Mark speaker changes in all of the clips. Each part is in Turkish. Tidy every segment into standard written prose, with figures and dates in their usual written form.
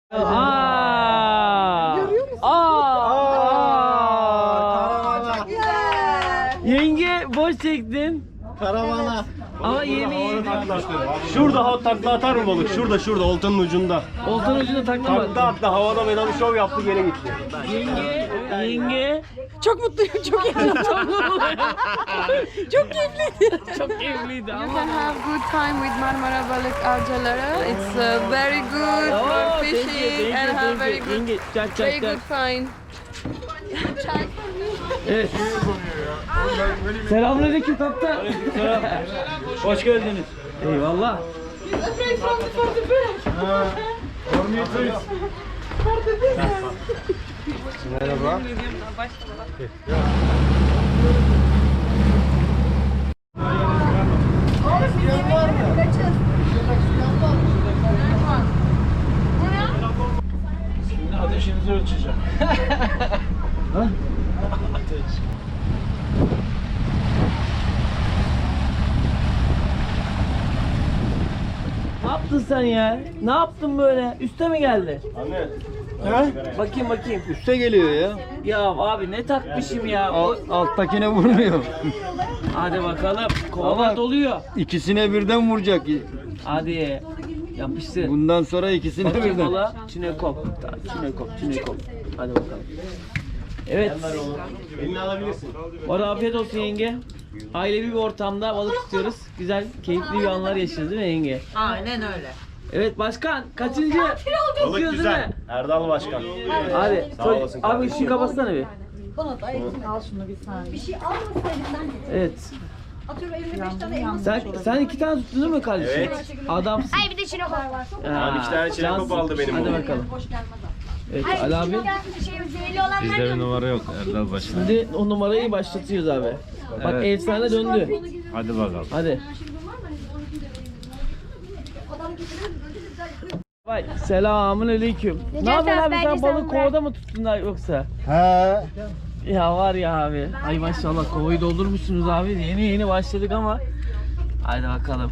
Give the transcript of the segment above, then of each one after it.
Speaker 1: Görüyor musun?
Speaker 2: Karavana.
Speaker 1: Yenge boş çektin.
Speaker 2: Karavana.
Speaker 1: Ama yemeği
Speaker 3: Şurada takla atar mı balık? Şurada oltanın ucunda.
Speaker 1: oltanın ucunda takla mı?
Speaker 3: Takla attı havada medal şov yaptı geri gitti.
Speaker 1: Yenge.
Speaker 4: Çok mutluyum, çok heyecanlıyım. Çok keyifliydi.
Speaker 1: Çok keyifliydi
Speaker 4: You
Speaker 1: ama.
Speaker 4: can have good time with Marmara Balık Avcıları. It's very good
Speaker 1: Oh,
Speaker 4: for
Speaker 1: thank you,
Speaker 4: fishing and have very good,
Speaker 1: Yenge çak
Speaker 4: very
Speaker 1: çak
Speaker 4: good
Speaker 1: çak.
Speaker 4: fine.
Speaker 1: Evet. Selamünaleyküm kaptan.
Speaker 3: Hoş geldiniz.
Speaker 1: Eyvallah.
Speaker 2: Merhaba.
Speaker 3: Şimdi ateşinizi ölçeceğim.
Speaker 1: Ne yaptın sen ya? Ne yaptın böyle? Üste mi geldi?
Speaker 3: Anne.
Speaker 1: Bakayım.
Speaker 2: Üste geliyor ya.
Speaker 1: Ya abi ne takmışım ya.
Speaker 2: Alttakine vurmuyor.
Speaker 1: Hadi bakalım. Kovalar
Speaker 2: Ama-
Speaker 1: doluyor.
Speaker 2: İkisine birden vuracak.
Speaker 1: Hadi. Yapıştır.
Speaker 2: Bundan sonra ikisine
Speaker 1: Bakayım
Speaker 2: birden.
Speaker 1: valla. Çinekop. Çinekop. Hadi bakalım. Evet.
Speaker 3: Elini alabilirsin.
Speaker 1: Orada afiyet olsun yenge. Ailevi bir ortamda balık tutuyoruz. Güzel, keyifli bir anlar yaşıyoruz değil mi yenge?
Speaker 5: Aynen öyle.
Speaker 1: Evet başkan, kaçıncı?
Speaker 3: Balık
Speaker 1: Tutuyoruz değil
Speaker 3: güzel.
Speaker 1: mi?
Speaker 3: Erdal Başkan.
Speaker 1: Hadi.
Speaker 3: Sağ olasın
Speaker 1: Abi
Speaker 3: kardeşim.
Speaker 1: ışığı kapatsana bir.
Speaker 5: Al şunu bir saniye.
Speaker 6: Bir şey almasaydın ben
Speaker 1: Evet.
Speaker 6: atıyorum elimde 5 tane elma.
Speaker 1: Sen iki tane tuttun değil mi kardeşim?
Speaker 3: Evet.
Speaker 1: Adamsın.
Speaker 6: Ay bir de çinekop var.
Speaker 3: Abi iki tane çinekop
Speaker 1: cansın.
Speaker 3: aldı benim
Speaker 1: Hadi
Speaker 3: oğlum.
Speaker 1: bakalım.
Speaker 6: Boş gelmez abi.
Speaker 1: Evet
Speaker 6: Ay
Speaker 1: Ali abi.
Speaker 6: zehirli olanlar yok.
Speaker 3: numara yok Erdal Başkan.
Speaker 1: Şimdi o numarayı başlatıyoruz abi. Bak
Speaker 3: Evet.
Speaker 1: efsane döndü.
Speaker 3: Hadi bakalım.
Speaker 1: Hadi. Vay selamünaleyküm. Ne yapıyorsun abi sen balık kovada mı tuttun da yoksa?
Speaker 2: He.
Speaker 1: Ya var ya abi. Ay maşallah kovayı doldurmuşsunuz abi. Yeni başladık ama. Haydi bakalım.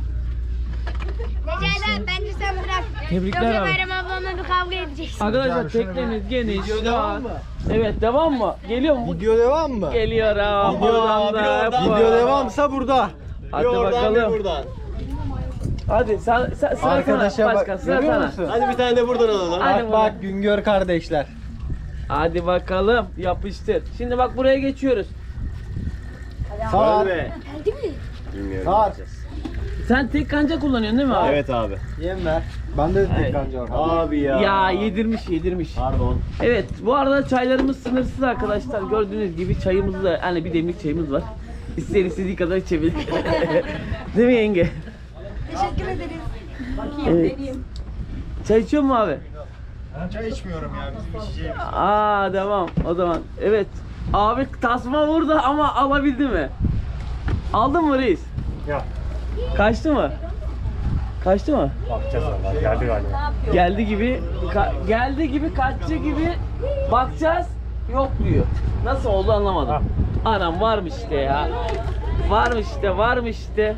Speaker 6: Rica ederim bence sen bırak.
Speaker 1: Tebrikler
Speaker 6: Yoksa
Speaker 1: abi.
Speaker 6: Meryem ablamla bir kavga edeceksin.
Speaker 1: Arkadaşlar teknemiz geniş.
Speaker 2: Video devam mı?
Speaker 1: Evet devam mı? Geliyor mu?
Speaker 2: Video devam mı?
Speaker 1: Geliyor abi. Buradan da. yapma.
Speaker 2: Video devamsa burada.
Speaker 1: Hadi bakalım.
Speaker 3: buradan.
Speaker 1: Hadi sıra
Speaker 2: Arkadaşa
Speaker 1: sana.
Speaker 2: bak.
Speaker 1: Başkan sıra
Speaker 2: Görüyor
Speaker 1: sana.
Speaker 2: musun?
Speaker 3: Hadi bir tane de buradan alalım.
Speaker 1: Hadi
Speaker 2: Bak bak Güngör kardeşler.
Speaker 1: Hadi bakalım yapıştır. Şimdi bak buraya geçiyoruz.
Speaker 2: Sağ.
Speaker 3: Ölme.
Speaker 6: Geldi mi?
Speaker 3: Bilmiyorum.
Speaker 2: Sağ.
Speaker 1: Sen tek kanca kullanıyorsun değil mi abi?
Speaker 3: Evet abi.
Speaker 2: Yem ver. Bende de
Speaker 1: Evet.
Speaker 2: tek kanca var.
Speaker 3: Abi ya.
Speaker 1: Ya yedirmiş.
Speaker 3: Pardon.
Speaker 1: Evet bu arada çaylarımız sınırsız arkadaşlar. Gördüğünüz gibi çayımız da hani bir demlik çayımız var. İsteyen istediği kadar içebilir. Değil mi yenge?
Speaker 6: Teşekkür ederiz.
Speaker 1: Evet. Çay içiyor mu abi?
Speaker 2: Ben çay içmiyorum ya. Bizim içeceğimiz.
Speaker 1: Aa devam o zaman. Evet. Abi tasma vurdu ama alabildi mi? Aldın mı reis?
Speaker 3: Ya.
Speaker 1: Kaçtı mı? Kaçtı mı?
Speaker 3: Bakacağız valla. Geldi galiba.
Speaker 1: Geldi gibi kaçtı gibi bakacağız yok diyor. Nasıl oldu anlamadım. Anam varmış işte ya. Varmış işte.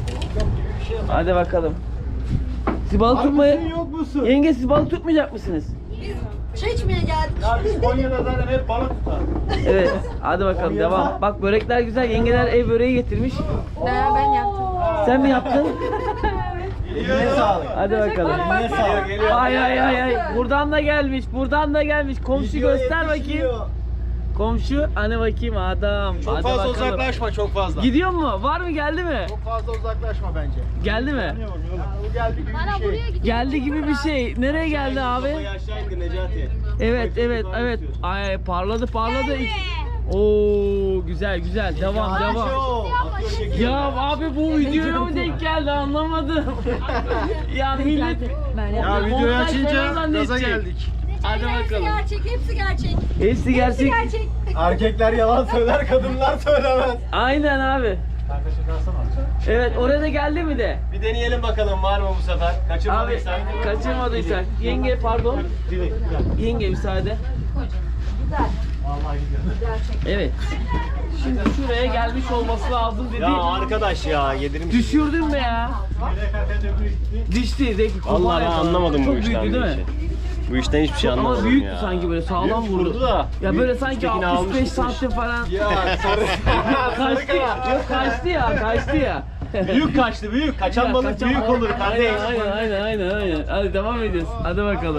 Speaker 1: Hadi bakalım. Siz balık tutmayı...
Speaker 2: Yok musun?
Speaker 1: Yenge siz balık tutmayacak mısınız?
Speaker 6: Çay içmeye geldik.
Speaker 3: Ya biz Konya'da zaten hep balık tutar.
Speaker 1: Evet. Hadi bakalım devam. Bak börekler güzel. Yengeler ev böreği getirmiş.
Speaker 4: Ben yaptım.
Speaker 1: Sen mi yaptın?
Speaker 2: Eline sağlık.
Speaker 1: Hadi bakalım.
Speaker 2: Eline sağlık.
Speaker 1: Ay. Buradan da gelmiş. Komşu göster bakayım. Komşu hani bakayım adam.
Speaker 2: Çok
Speaker 1: Hadi
Speaker 2: fazla
Speaker 1: bakalım.
Speaker 2: uzaklaşma, çok fazla.
Speaker 1: Gidiyor mu? Var mı? Geldi mi?
Speaker 2: Çok fazla uzaklaşma bence.
Speaker 1: Geldi mi?
Speaker 2: Bu geldi gibi
Speaker 6: Bana
Speaker 2: bir şey.
Speaker 6: buraya gidiyor.
Speaker 1: Geldi gibi bir şey. Nereye geldi abi?
Speaker 3: Aşağı indi Necati.
Speaker 1: Evet. Ay parladı. Oo güzel. Devam. Ya abi bu videoya mı denk geldi anlamadım. Ya millet.
Speaker 2: Ya videoyu
Speaker 1: Montaj
Speaker 2: açınca
Speaker 1: falan
Speaker 2: gaza
Speaker 1: zannedecek.
Speaker 2: geldik.
Speaker 1: Hadi bakalım.
Speaker 6: Hepsi gerçek.
Speaker 1: Hepsi gerçek.
Speaker 2: Erkekler yalan söyler, kadınlar söylemez.
Speaker 1: Aynen abi. Evet oraya da geldi mi de?
Speaker 3: Bir deneyelim bakalım var mı bu sefer?
Speaker 1: Abi
Speaker 3: Kaçırmadıysak.
Speaker 1: kaçırmadıysak. Yenge pardon. Yenge müsaade. Evet. Şimdi şuraya gelmiş olması lazım dedi.
Speaker 3: Ya arkadaş ya yedirmiş.
Speaker 1: Düşürdün mü ya? Düştü.
Speaker 3: Vallahi ben anlamadım bu
Speaker 1: Çok
Speaker 3: işten
Speaker 1: büyüdü değil
Speaker 3: bir
Speaker 1: mi?
Speaker 3: şey. Bu işten hiçbir şey anlamadım
Speaker 1: Ama büyüktü
Speaker 3: ya.
Speaker 1: sanki böyle sağlam
Speaker 3: Büyük
Speaker 1: vurdu.
Speaker 3: vurdu da.
Speaker 1: Ya böyle
Speaker 3: Büyük
Speaker 1: sanki
Speaker 3: üsttekini almış
Speaker 1: 65
Speaker 3: gitmiş.
Speaker 1: santim falan.
Speaker 2: Ya sarı.
Speaker 1: Kaçtı. Yok kaçtı ya.
Speaker 3: Büyük kaçtı büyük. Kaçan balık büyük olur kardeş.
Speaker 1: Aynen. Hadi devam ediyoruz. Hadi bakalım.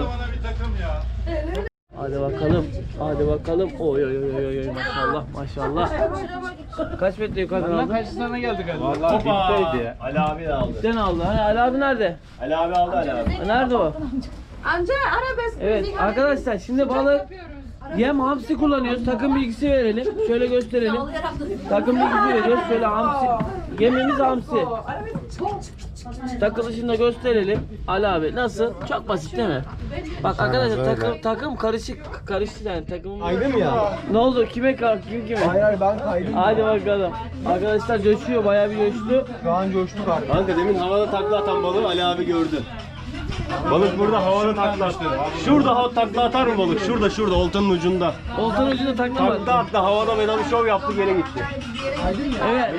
Speaker 1: Hadi bakalım. Oy maşallah. Kaç metre yukarıdan aldın?
Speaker 2: Karşısına geldik hadi.
Speaker 3: Vallahi dipteydi ya. Ali abi de aldı.
Speaker 1: Sen aldı. Hani Ali abi nerede?
Speaker 3: Ali abi aldı Ali abi.
Speaker 1: Nerede o?
Speaker 4: Amca arabesk
Speaker 1: Evet
Speaker 4: müzik
Speaker 1: arkadaşlar şimdi balık yem hamsi kullanıyoruz. Takım bilgisi verelim. Şöyle gösterelim. Takım bilgisi veriyoruz. Şöyle hamsi. Yemimiz hamsi. Takılışını da gösterelim. Ali abi nasıl? Çok basit değil mi? Bak arkadaşlar takım karıştı yani takımım.
Speaker 2: Kaydım ya.
Speaker 1: Ne oldu? Kime kime?
Speaker 2: Hayır ben kaydım.
Speaker 1: Hadi bakalım. Arkadaşlar coşuyor, bayağı bir coştu.
Speaker 2: Şu an coştuk artık.
Speaker 3: Kanka demin havada takla atan balığı Ali abi gördü. Balık burada havada takla attı. Şurada takla atar mı balık? Şurada oltanın ucunda.
Speaker 1: Oltanın ucunda takla var.
Speaker 3: Takla attı havada meydan şov yaptı geri gitti.
Speaker 1: Evet.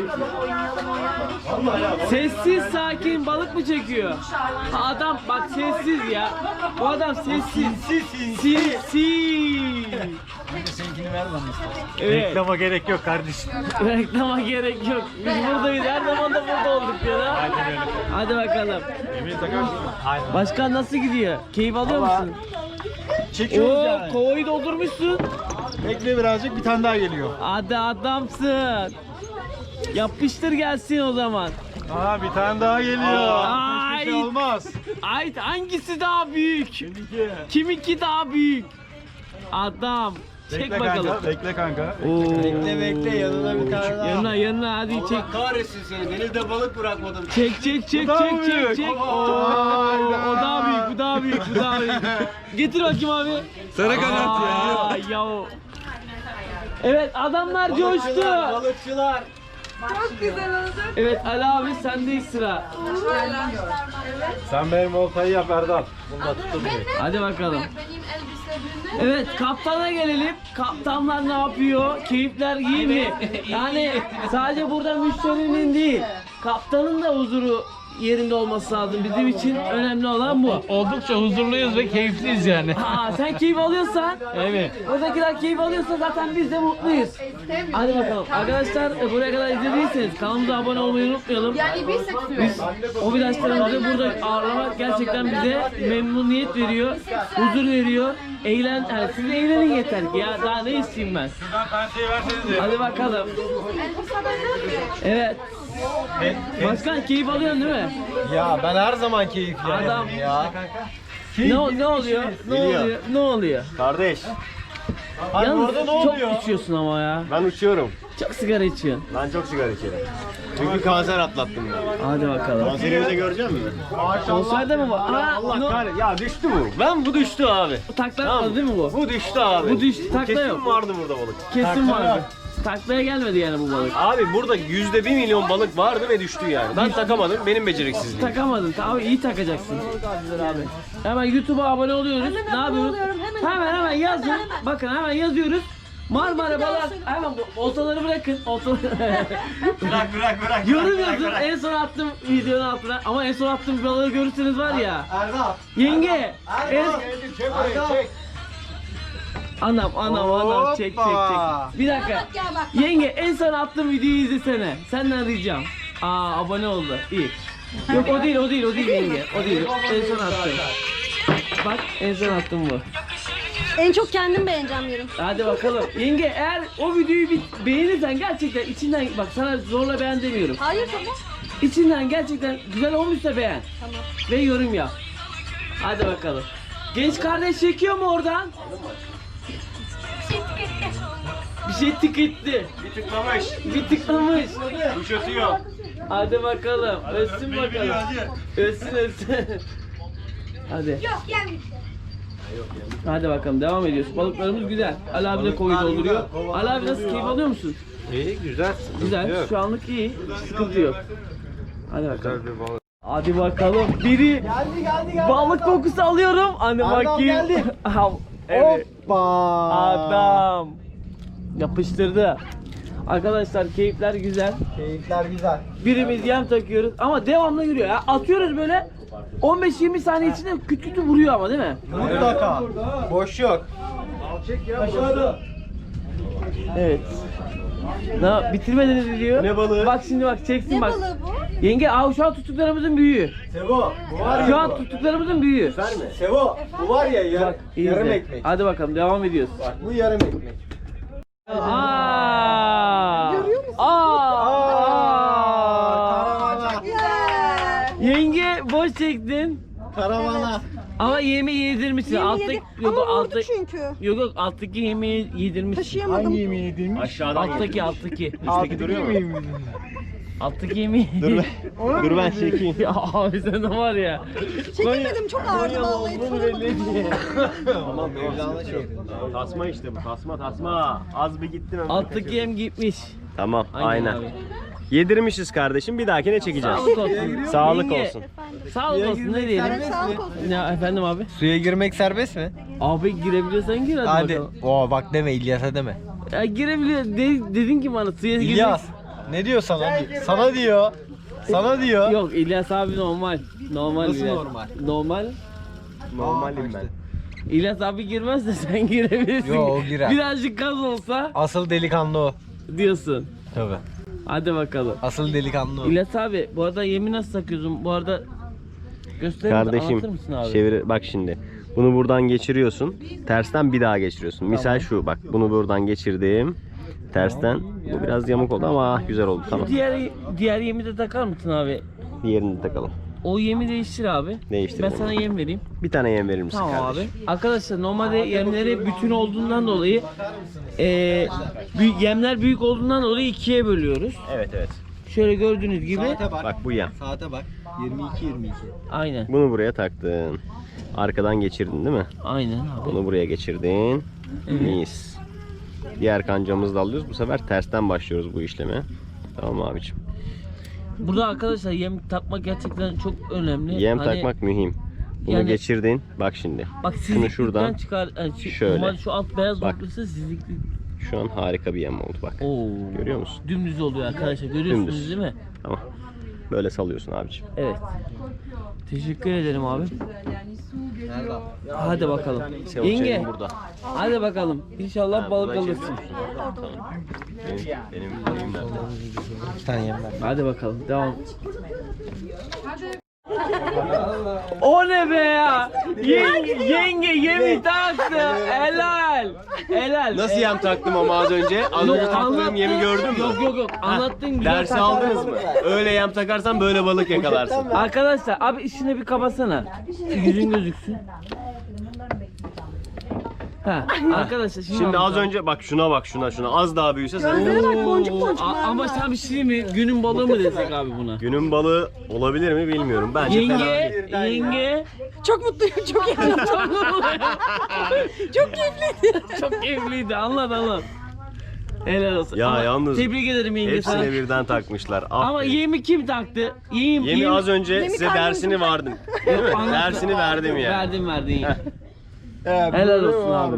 Speaker 1: Sessiz sakin balık mı çekiyor? Adam bak sessiz ya. Bu adam sessiz. Sinsi.
Speaker 2: Seninkini ver bana.
Speaker 1: Evet.
Speaker 3: Reklama gerek yok kardeşim.
Speaker 1: Reklama gerek yok. Biz buradayız. Her zaman da burada olduk ya. Hadi bakalım. Başkan nasıl gidiyor? Keyif alıyor musun?
Speaker 2: Çekiyoruz
Speaker 1: Oo,
Speaker 2: yani.
Speaker 1: kovayı doldurmuşsun.
Speaker 2: Bekle birazcık bir tane daha geliyor.
Speaker 1: Hadi adamsın. Yapıştır gelsin o zaman.
Speaker 2: Aa bir tane daha geliyor.
Speaker 1: Ay.
Speaker 2: Hiçbir şey olmaz.
Speaker 1: Ay hangisi daha büyük? Kiminki daha büyük? Adam. Çek bakalım.
Speaker 2: Bekle kanka.
Speaker 1: Oo.
Speaker 3: Bekle yanına bir tane daha.
Speaker 1: Yanına hadi çek.
Speaker 3: Kahretsin seni denizde balık bırakmadın.
Speaker 1: Çek.
Speaker 2: daha mı büyük?
Speaker 1: Oo, o daha büyük, bu daha büyük. Getir bakayım abi.
Speaker 2: Sarı kanat ya.
Speaker 1: Ya. Evet adamlar coştu.
Speaker 3: Balıkçılar.
Speaker 4: çok güzel oldu.
Speaker 1: Evet Ali abi sendeyiz sıra.
Speaker 2: Sen benim oltayı yap Erdal. Bunu da tuttum.
Speaker 1: Hadi bakalım.
Speaker 4: Benim elbiselerini
Speaker 1: Evet kaptana gelelim. Kaptanlar ne yapıyor? Keyifler iyi mi? Yani sadece burada müşterinin değil, kaptanın da huzuru yerinde olması lazım. Bizim için önemli olan bu.
Speaker 7: Oldukça huzurluyuz ve keyifliyiz yani.
Speaker 1: Aa, sen keyif alıyorsan,
Speaker 7: Evet.
Speaker 1: oradakiler keyif alıyorsa zaten biz de mutluyuz. Hadi bakalım. Arkadaşlar buraya kadar izlediyseniz kanalımıza abone olmayı unutmayalım.
Speaker 4: yani bir sektörü.
Speaker 1: Biz o vidaçlarımızı burada ağırlamak gerçekten bize memnuniyet veriyor, huzur veriyor. Yani siz eğlenin yeter ki ya, daha ne isteyeyim ben. Hadi bakalım. Evet. Başkan keyif alıyorsun değil mi?
Speaker 2: Ya ben her zaman keyifli
Speaker 1: Adam.
Speaker 2: ya.
Speaker 1: Ne oluyor? Ne oluyor?
Speaker 3: Kardeş
Speaker 1: Yalnız
Speaker 2: orada ne
Speaker 1: çok
Speaker 2: oluyor?
Speaker 1: içiyorsun ama ya.
Speaker 3: ben uçuyorum.
Speaker 1: Çok sigara içiyorsun.
Speaker 3: Ben çok sigara içerim. Çünkü kanser atlattım ya.
Speaker 1: Hadi bakalım.
Speaker 3: Kanserimize göreceğim mi?
Speaker 1: Konserde mi var? Aa,
Speaker 3: Allah kahretsin. Ya düştü bu. Bu düştü abi.
Speaker 1: takla
Speaker 3: Tamam.
Speaker 1: atmadı değil mi bu?
Speaker 3: Bu düştü abi.
Speaker 1: Bu düştü, takla
Speaker 3: Kesin
Speaker 1: yok.
Speaker 3: vardı burada balık.
Speaker 1: Kesin vardı. Taklaya gelmedi yani bu balık.
Speaker 3: Abi burada %1 milyon balık vardı ve düştü yani. Ben takamadım. Benim beceriksizliğim.
Speaker 1: Takamadın. Tamam iyi takacaksın. Abi. Hemen YouTube'a abone oluyoruz. Ne yapıyoruz? Hemen yazın. Bakın hemen yazıyoruz. Marmara balık. Hemen oltaları bırakın.
Speaker 3: Bırak.
Speaker 1: Yorum yazın. En son attığım videonun altına. Ama en son attığım balığı görürseniz var ya.
Speaker 2: Erdal.
Speaker 1: Yenge.
Speaker 2: Çek orayı çek.
Speaker 1: Anam çek.
Speaker 2: Hoppa.
Speaker 1: Bir dakika.
Speaker 6: Gel bak.
Speaker 1: Yenge en son attığım videoyu izlesene. Senden ricam. Aa abone oldu. İyi. Yok o değil yenge. O değil. En son attım. Bak en son attım bu.
Speaker 6: En çok kendim beğeneceğim yarın.
Speaker 1: Hadi bakalım. Yenge eğer o videoyu bir beğenirsen gerçekten içinden bak sana zorla beğen demiyorum.
Speaker 6: Hayır tamam.
Speaker 1: İçinden gerçekten güzel olmuşsa beğen.
Speaker 6: Tamam.
Speaker 1: Ve yorum yap. Hadi bakalım. Genç kardeş çekiyor mu oradan? Bir şey tıkıttı. Bir tıklamış.
Speaker 3: Üşütüyor.
Speaker 1: Hadi bakalım. Ölsün bakalım. Ölsün. Hadi.
Speaker 6: Yok gelmiş.
Speaker 1: Hadi bakalım devam ediyoruz. Balıklarımız güzel. Ali abi de koyu dolduruyor. Ali abi nasıl keyif alıyor musun?
Speaker 3: İyi güzel.
Speaker 1: Güzel. Şu anlık iyi. Sıkıntı yok. Hadi bakalım. Hadi bakalım. Biri balık kokusu alıyorum. Hadi
Speaker 2: Adam
Speaker 1: bakayım.
Speaker 2: geldi.
Speaker 1: Evet.
Speaker 2: Hoppa.
Speaker 1: Adam. Yapıştırdı. Arkadaşlar keyifler güzel.
Speaker 2: Keyifler güzel.
Speaker 1: Birimiz yem takıyoruz ama devamlı yürüyor ya. Atıyoruz böyle 15-20 saniye içinde küt kütü vuruyor ama değil mi?
Speaker 2: Mutlaka. Boş yok.
Speaker 1: Evet. Daha bitirmeden diyor.
Speaker 3: Ne balığı?
Speaker 1: Bak şimdi bak çeksin
Speaker 6: Ne
Speaker 1: bak.
Speaker 6: balığı bu?
Speaker 1: Yenge şu an tuttuklarımızın büyüğü.
Speaker 2: Sevo, bu var ya.
Speaker 1: Şu an tuttuklarımızın büyüğü.
Speaker 2: Sevo, bu var ya
Speaker 1: Bak iyi
Speaker 2: yarım
Speaker 1: izle.
Speaker 2: ekmek.
Speaker 1: Hadi bakalım devam ediyoruz.
Speaker 2: Bak bu yarım ekmek.
Speaker 1: Görüyor musun?
Speaker 2: Karavana.
Speaker 1: Yenge boş çektin.
Speaker 2: Karavana.
Speaker 1: Ama yemi yedirmişsin. Alttaki
Speaker 6: Ama vurdu
Speaker 1: alttaki
Speaker 6: çünkü.
Speaker 1: yok alttaki yemeği yedirmişsin.
Speaker 6: Taşıyamadım.
Speaker 3: Aşağıdan
Speaker 1: Alttaki.
Speaker 3: Üstteki duruyor mu?
Speaker 1: Alttaki yemeği.
Speaker 3: Dur ben çekeyim.
Speaker 1: Ya abi sen de var ya.
Speaker 6: Çekemedim, çok ağırdı vallahi.
Speaker 2: Tamam Mevlana şey.
Speaker 3: Tasma işte bu. Tasma. Az bir gittim hemen.
Speaker 1: Alttaki yem gitmiş.
Speaker 3: Tamam
Speaker 1: Aynen
Speaker 3: aynen.
Speaker 1: abi.
Speaker 3: Yedirmişiz kardeşim. Bir dahakine çekeceğiz.
Speaker 1: Sağlık olsun.
Speaker 3: Sağlık
Speaker 1: Yenge,
Speaker 3: olsun.
Speaker 1: Sağlık olsun ne diyelim?
Speaker 6: Evet, sağlık olsun.
Speaker 1: Ne efendim abi?
Speaker 2: Suya girmek serbest mi?
Speaker 1: Abi girebiliyorsan gir hadi,
Speaker 2: Hadi.
Speaker 1: bakalım.
Speaker 2: Oo bak deme İlyas'a deme.
Speaker 1: Ya girebiliyor. Dedin ki bana suya girmek.
Speaker 2: İlyas. Ne diyor sana? Sana diyor. Sana diyor.
Speaker 1: Yok İlyas abi normal. Normal
Speaker 2: Nasıl
Speaker 1: İlyas.
Speaker 2: normal?
Speaker 1: Normal.
Speaker 3: Normalim ben.
Speaker 1: İlyas abi girmezse sen girebilirsin.
Speaker 2: Yo, o girer.
Speaker 1: Birazcık gaz olsa
Speaker 2: Asıl delikanlı o.
Speaker 1: diyorsun.
Speaker 2: Tabii.
Speaker 1: Hadi bakalım.
Speaker 2: Asıl delikanlı o.
Speaker 1: İlyas abi bu arada yemi nasıl takıyorsun? Bu arada gösterir misin? Anlatır
Speaker 3: Kardeşim
Speaker 1: mısın abi?
Speaker 3: çevir bak şimdi. Bunu buradan geçiriyorsun. Tersten bir daha geçiriyorsun. Misal şu bak. Bunu buradan geçirdim. Tersten. Bu biraz yamuk oldu ama güzel oldu. Tamam.
Speaker 1: Diğer yemi de takar mısın abi?
Speaker 3: Diğerini de takalım.
Speaker 1: O yemi değiştir abi.
Speaker 3: Değiştir
Speaker 1: Ben
Speaker 3: onu.
Speaker 1: sana yem vereyim.
Speaker 3: Bir tane yem verir misin
Speaker 1: Tamam
Speaker 3: kardeşim?
Speaker 1: abi. Arkadaşlar normalde yemleri bütün olduğundan dolayı yemler büyük olduğundan dolayı ikiye bölüyoruz.
Speaker 3: Evet evet.
Speaker 1: Şöyle gördüğünüz gibi.
Speaker 2: Saate bak.
Speaker 3: Bak bu yem.
Speaker 2: Saate bak. 22.
Speaker 1: Aynen.
Speaker 3: Bunu buraya taktın. Arkadan geçirdin değil mi?
Speaker 1: Aynen abi.
Speaker 3: Bunu buraya geçirdin. Mis. Diğer kancamızı da alıyoruz. Bu sefer tersten başlıyoruz bu işleme. Tamam abicim.
Speaker 1: Burada arkadaşlar yem takmak gerçekten çok önemli.
Speaker 3: Yem
Speaker 1: Hani
Speaker 3: takmak mühim. Bunu
Speaker 1: yani-
Speaker 3: geçirdin. Bak şimdi.
Speaker 1: Bak
Speaker 3: Şunu
Speaker 1: sizlikten
Speaker 3: şuradan.
Speaker 1: çıkar. Yani
Speaker 3: şöyle.
Speaker 1: Normal şu alt beyaz
Speaker 3: Bak.
Speaker 1: noktası sizlikli.
Speaker 3: Şu an harika bir yem oldu bak.
Speaker 1: Oo.
Speaker 3: Görüyor musun?
Speaker 1: Dümdüz oluyor arkadaşlar. Görüyorsunuz
Speaker 3: Dümdüz.
Speaker 1: değil mi?
Speaker 3: Tamam. Böyle salıyorsun abicim.
Speaker 1: Evet. Teşekkür ederim abi. Hadi bakalım. Yenge.
Speaker 3: Burada.
Speaker 1: Hadi bakalım. İnşallah balık alırsın.
Speaker 3: Benim nerede?
Speaker 2: Bir tane yem ver.
Speaker 1: Hadi bakalım. Devam. O ne be ya? Yenge yemi taktı. Helal. Helal.
Speaker 3: Nasıl yem taktım ama az önce? Az
Speaker 1: Yok,
Speaker 3: önce taktığım
Speaker 1: anlattın.
Speaker 3: yemi gördün mü?
Speaker 1: Yok. Anlattın güzel.
Speaker 3: Dersi
Speaker 1: taktın.
Speaker 3: aldınız mı? Öyle yem takarsan böyle balık yakalarsın.
Speaker 1: Arkadaşlar abi işine bir kapatsana. Yüzün gözüksün. Ha, arkadaşlar
Speaker 3: Şimdi az önce bak şuna az daha büyüse sen
Speaker 6: Bak boncuk boncuk.
Speaker 1: ama sen bir şey mi? Günün balığı mı desek abi buna?
Speaker 3: günün balığı olabilir mi bilmiyorum. Bence fena değil.
Speaker 1: Yenge.
Speaker 6: Çok mutluyum, çok heyecanlıyım. Çok keyifliydi.
Speaker 1: Çok keyifliydi. Anlat. Helal olsun.
Speaker 3: Ya
Speaker 1: Ama
Speaker 3: yalnız
Speaker 1: tebrik ederim yenge sana.
Speaker 3: Hepsine birden takmışlar.
Speaker 1: Ama
Speaker 3: Aferin.
Speaker 1: yemi kim taktı?
Speaker 3: Yemi az önce
Speaker 6: Yemi
Speaker 3: size
Speaker 6: karnım
Speaker 3: dersini
Speaker 6: çok-
Speaker 3: verdim. Değil mi?
Speaker 1: Anladım.
Speaker 3: Dersini verdim ya.
Speaker 1: Verdin. Helal olsun abi.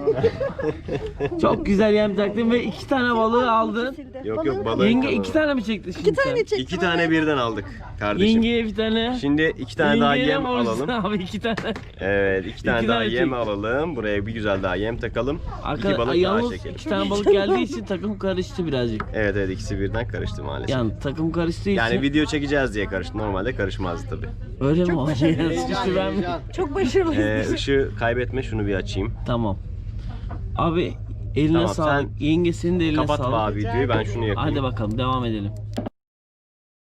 Speaker 1: Çok güzel yem taktın ve 2 tane balığı aldın.
Speaker 3: Yok balığı.
Speaker 1: Yenge 2 tane mi çekti şimdi?
Speaker 6: 2 tane çektim.
Speaker 3: 2 tane birden aldık kardeşim.
Speaker 1: Yengeye bir tane.
Speaker 3: Şimdi 2 tane daha
Speaker 1: Yengeye
Speaker 3: yem
Speaker 1: mi olursun
Speaker 3: alalım.
Speaker 1: Abi 2 tane.
Speaker 3: Evet 2 tane
Speaker 1: İki
Speaker 3: daha
Speaker 1: tane
Speaker 3: yem
Speaker 1: çek.
Speaker 3: alalım. Buraya bir güzel daha yem takalım. 2
Speaker 1: Arkadaşlar
Speaker 3: balık daha
Speaker 1: yalnız
Speaker 3: çekelim.
Speaker 1: 2 tane balık geldiği için takım karıştı birazcık.
Speaker 3: Evet ikisi birden karıştı maalesef.
Speaker 1: Yani takım karıştığı için.
Speaker 3: Yani video çekeceğiz diye karıştı. Normalde karışmazdı tabii.
Speaker 1: Öyle mi oldu? Suçu ben mi?
Speaker 6: Çok başarılıyız.
Speaker 3: Işığı kaybetme şunu bir açayım.
Speaker 1: Tamam. Abi eline
Speaker 3: Tamam,
Speaker 1: sağlık. Yengesinin de eline
Speaker 3: Kapat
Speaker 1: sağlık.
Speaker 3: abi videoyu ben şunu yakayım.
Speaker 1: Hadi bakalım devam edelim.